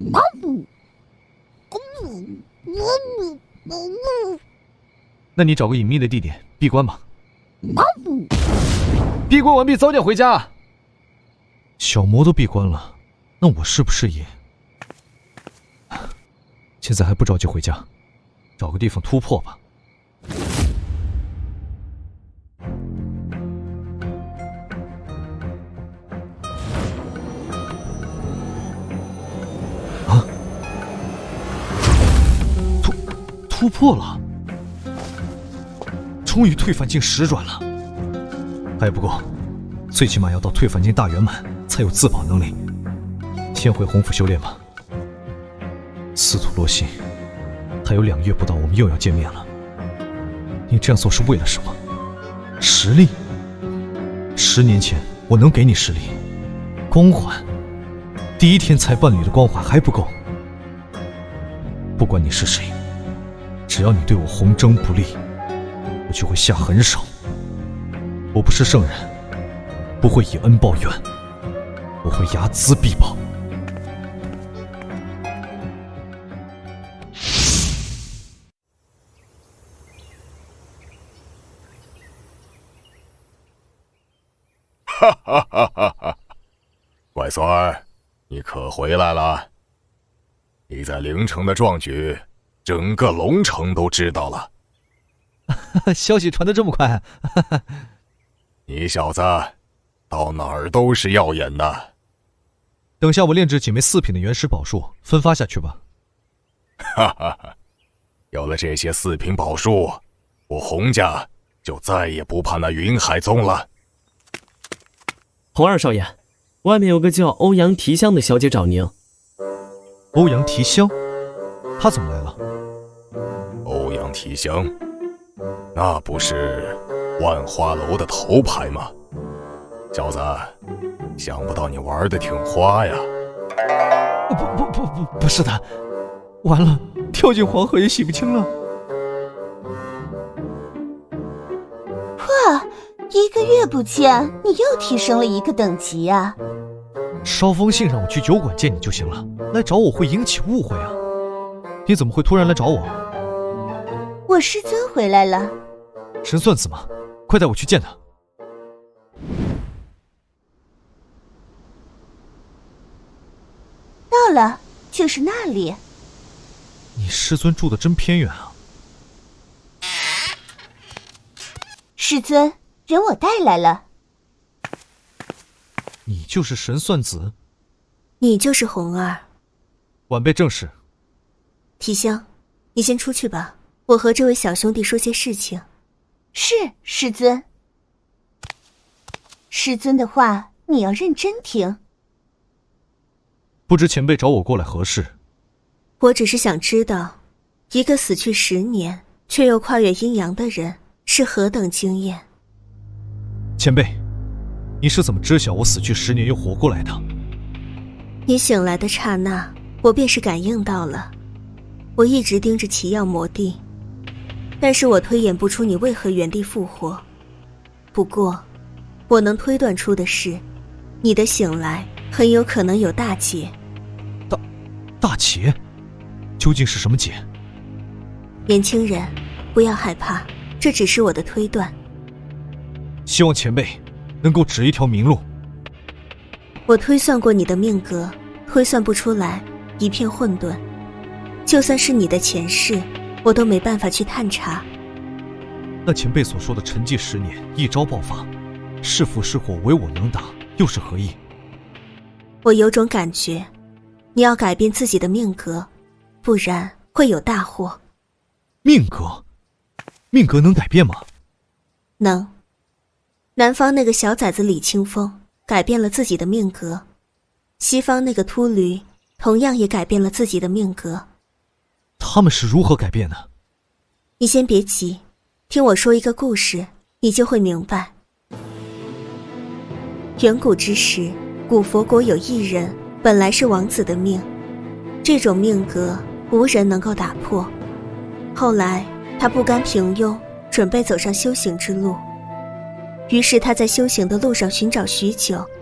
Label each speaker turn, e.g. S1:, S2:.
S1: 那你找个隐秘的地点闭关吧。闭关完毕，早点回家。小魔都闭关了，那我是不是也？现在还不着急回家，找个地方突破吧。啊！突破了！终于退凡境10转了，还不够，最起码要到退凡境大圆满才有自保能力。先回洪府修炼吧。司徒洛心，还有2月不到，我们又要见面了。你这样做是为了什么？实力？10年前我能给你实力，光环，第1天才伴侣的光环还不够。不管你是谁，只要你对我洪征不利，我就会下狠手。我不是圣人，不会以恩报怨，我会睚眦必报。
S2: 哈哈哈哈哈！乖孙儿，你可回来了？你在凌城的壮举，整个龙城都知道了。
S1: 消息传得这么快？
S2: 你小子到哪儿都是耀眼的。
S1: 等下我炼制几枚4品的原始宝术，分发下去吧。
S2: 哈哈哈！有了这些4品宝术，我洪家就再也不怕那云海宗了。
S3: 洪二少爷，外面有个叫欧阳提香的小姐找您。
S1: 欧阳提香？她怎么来了？
S2: 欧阳提香，那不是万花楼的头牌吗？小子，想不到你玩得挺花呀。
S1: 不是的，完了，跳进黄河也洗不清了。
S4: 哇，1个月不见，你又提升了1个等级啊！
S1: 捎封信让我去酒馆见你就行了，来找我会引起误会啊！你怎么会突然来找我？
S4: 我师尊回来了。
S1: 神算子吗？快带我去见他。
S4: 到了，就是那里。
S1: 你师尊住得真偏远啊！
S4: 师尊，人我带来了。
S1: 你就是神算子？
S5: 你就是红儿。
S1: 晚辈正是。
S5: 提香，你先出去吧，我和这位小兄弟说些事情。
S4: 是，师尊。师尊的话你要认真听。
S1: 不知前辈找我过来何事？
S5: 我只是想知道，一个死去10年却又跨越阴阳的人是何等经验。
S1: 前辈，你是怎么知晓我死去10年又活过来的？
S5: 你醒来的刹那，我便是感应到了。我一直盯着奇药魔地，但是我推演不出你为何原地复活。不过我能推断出的是，你的醒来很有可能有大劫。
S1: 大劫？究竟是什么劫？
S5: 年轻人，不要害怕，这只是我的推断。
S1: 希望前辈能够指一条明路。
S5: 我推算过你的命格，推算不出来，一片混沌。就算是你的前世，我都没办法去探查。
S1: 那前辈所说的沉寂10年，一朝爆发，是福是祸，唯我能答，又是何意？
S5: 我有种感觉，你要改变自己的命格，不然会有大祸。
S1: 命格？命格能改变吗？
S5: 能。南方那个小崽子李清风改变了自己的命格，西方那个秃驴同样也改变了自己的命格。
S1: 他们是如何改变的？
S5: 你先别急，听我说一个故事，你就会明白。远古之时，古佛国有一人，本来是王子的命，这种命格无人能够打破。后来他不甘平庸，准备走上修行之路。于是他在修行的路上寻找许久，